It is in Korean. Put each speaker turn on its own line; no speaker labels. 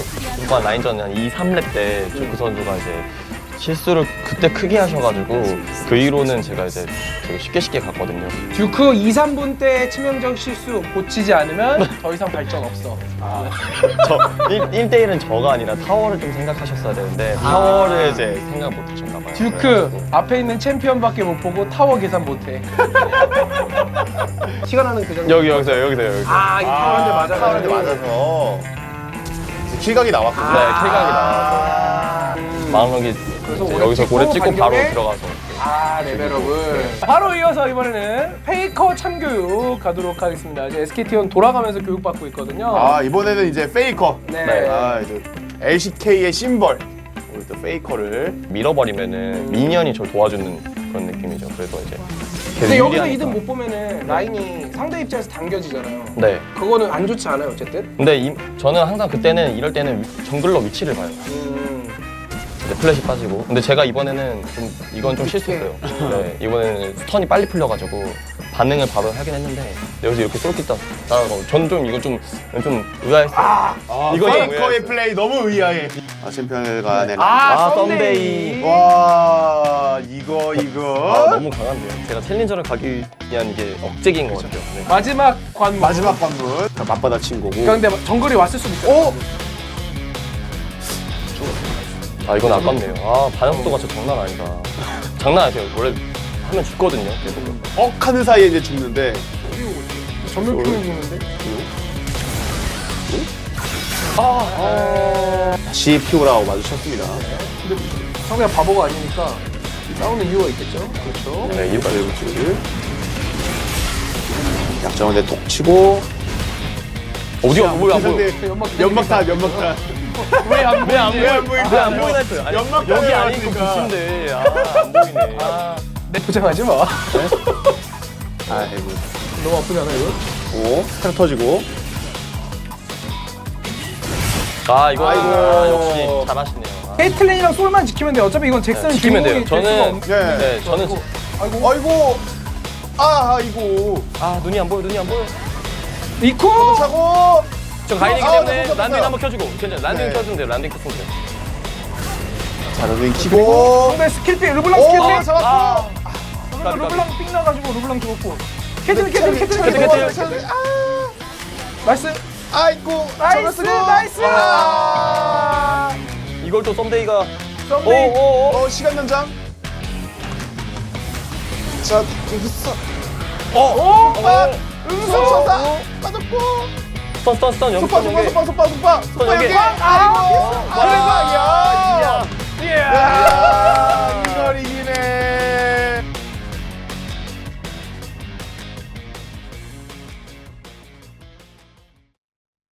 후반 라인전 한 2, 3렙 때 듀크 선수가 이제 실수를 그때 크게 하셔가지고 그 이후로는 제가 이제 되게 쉽게 갔거든요.
듀크 2, 3분 때 치명적 실수 고치지 않으면 더 이상 발전 없어.
저 1대1은 저가 아니라 타워를 좀 생각하셨어야 되는데 타워를 이제 생각 못 하셨나 봐요.
듀크
그래가지고.
앞에 있는 챔피언밖에 못 보고 타워 계산 못 해. 시간 하는 그 정도.
여기서.
아, 이 타워한테 맞아가지고.
타워한테 맞아서 킬각이 나왔군요.
네, 킬각이 나와서 마음먹이
그래서
이제
오래
여기서
찍고
고래 찍고 바로
반격에
들어가서
아, 레벨업을. 바로 이어서 이번에는 페이커 참교육 가도록 하겠습니다. 이제 SKT 돌아가면서 교육받고 있거든요.
아, 이번에는 이제 페이커.
네.
아, 이제 LCK의 심벌. 우리 또 페이커를.
밀어버리면은 미니언이 저를 도와주는 그런 느낌이죠. 그래서 이제
근데
계속
여기서
유리하니까.
이득 못 보면은 라인이 상대 입장에서 당겨지잖아요.
네.
그거는 안 좋지 않아요, 어쨌든?
근데 저는 항상 그때는 이럴 때는 정글러 위치를 봐요. 이제 플래시 빠지고. 근데 제가 이번에는 좀 이건 좀 실수했어요. 네, 이번에는 스턴이 빨리 풀려가지고 반응을 바로 하긴 했는데 여기서 이렇게 쏠깃 따라가고 저는 좀 이거 좀 의아했어요. 이거
페이커의 플레이 너무 의아해. 아, 챔피언 간의
썸데이.
와, 이거.
너무 강한데요. 제가 챌린저를 가기 위한 이게 억제기인 것 같아요. 네.
마지막 관문.
마지막 관문. 맞받아친 거고.
그러니까 근데 정글이 왔을 수도 있어요.
오!
아 이건 아깝네요. 아 반응 속도가 진짜 장난 아니다. 장난 아니에요. 원래 하면 죽거든요. 계속.
하는 사이에 이제 죽는데.
전면 표현이 있는데?
다시 피오라고 마주쳤습니다.
근데 상대가 바보가 아니니까 싸우는 이유가 있겠죠? 그렇죠.
네, 이유가
그리고 지금 약점을 내톡 치고.
어디가 뭐야 안 보여?
근데 연막탄.
왜안
왜안
왜안
보여?
보이냐?
왜안 보이나 했어요. 아니,
연막탄을
여기 아니고
맞으니까.
부신데 안 보이네.
내 포장하지 마.
아이고.
너무 아프잖아 이거.
오, 스타트 터지고.
이거 역시 잘하시네요.
헤이틀레이랑 솔만 지키면 돼. 어차피 이건 잭슨은
지키면 돼요.
주인공이 될 수가 없는.
네.
네, 저는
아이고. 아이고.
눈이 안 보여.
이코!
차고.
저 가인이기
아,
때문에
나
란딩
떴어요.
한번 켜주고 괜찮아. 란딩
네.
켜주면 돼요. 란딩 켰으면 돼요.
자, 런닝 키고.
상대 스킬피, 르블랑
오,
스킬피.
잡았고.
까비.
르블랑 삥 나가지고 르블랑 죽었고. 캐틀. 나이스.
아이고.
나이스.
이걸 또 썸데이가
썸데이.
시간 연장. 자, 여기서.
응수.
빠졌고.
스턴 연기
속박.
연기.
속박.
연기.